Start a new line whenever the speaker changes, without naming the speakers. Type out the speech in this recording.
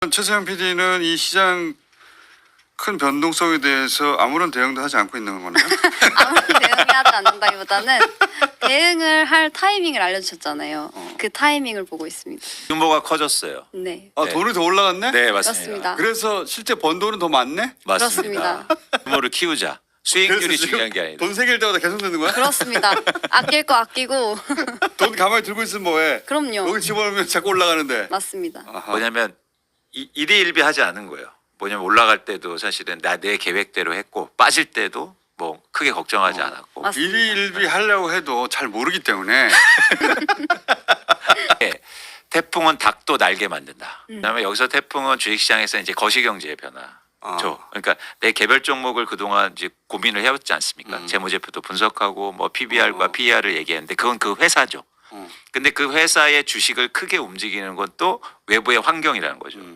최세현 PD는 이 시장 큰 변동성에 대해서 아무런 대응도 하지 않고 있는 거네요.
아무런 대응이 하지 않는다기보다는 대응을 할 타이밍을 알려주셨잖아요. 그 타이밍을 보고 있습니다.
규모가 커졌어요.
네,
아,
네.
돈이 더 올라갔네?
네,
그렇습니다.
맞습니다.
그래서 실제 번 돈은 더 많네?
맞습니다. 규모를 키우자. 수익률이
그래서 지금
중요한 게 아니다.
돈 생길 때마다 계속 내는 거야?
그렇습니다. 아낄 거 아끼고
돈 가만히 들고 있으면 뭐해?
그럼요.
여기 집어넣으면 자꾸 올라가는데.
맞습니다.
아하.
뭐냐면 일희일비 하지 않은 거예요. 뭐냐면 올라갈 때도 사실은 내 계획대로 했고 빠질 때도 뭐 크게 걱정하지 않았고
맞습니다.
일희일비 하려고 해도 잘 모르기 때문에
네, 태풍은 닭도 날개 만든다. 그다음에 여기서 태풍은 주식시장에서 이제 거시경제의 변화죠. 그러니까 내 개별 종목을 그동안 이제 고민을 해왔지 않습니까? 재무제표도 분석하고 뭐 PBR과 PER을 얘기했는데 그건 그 회사죠. 근데 그 회사의 주식을 크게 움직이는 건 또 외부의 환경이라는 거죠.